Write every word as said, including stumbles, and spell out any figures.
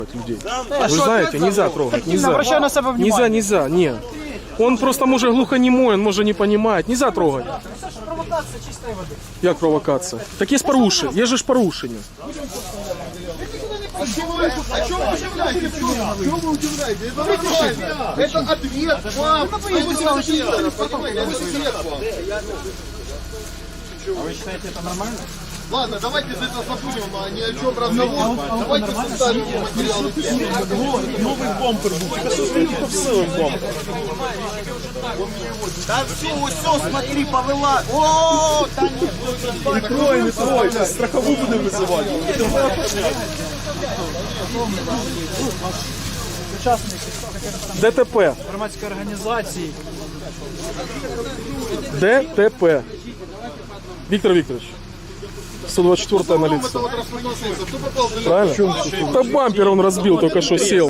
людей. Вы знаете, нельзя трогать, нельзя. Обращаю на себя внимание. Нельзя, нельзя, нет. Он просто может глухонемой, он может не понимает. Нельзя трогать. Провокація чистої води. Як провокація? Так є ж порушення, є же ж порушення. А что вы, а что вы удивляете? Чего вы удивляете? Это нормально. Это ответ вам. Понимаете, это ответ вам. А ви вважаєте, це нормально? Ладно, давайте за это забудем, а ни о чем разговор. Давайте составим материалы. Новий бампер був. Тільки посилив бампер. Да все, все, смотри, повела. О, да нет. Не трой, не трой. Страхову буде визивати. Учасники ДТП. громадської організації. ДТП. Віктор Вікторович. сто двадцать четвёртая на лицо. Это вот распылился. Кто попал в Правильно? Да бампер он разбил, только что сел.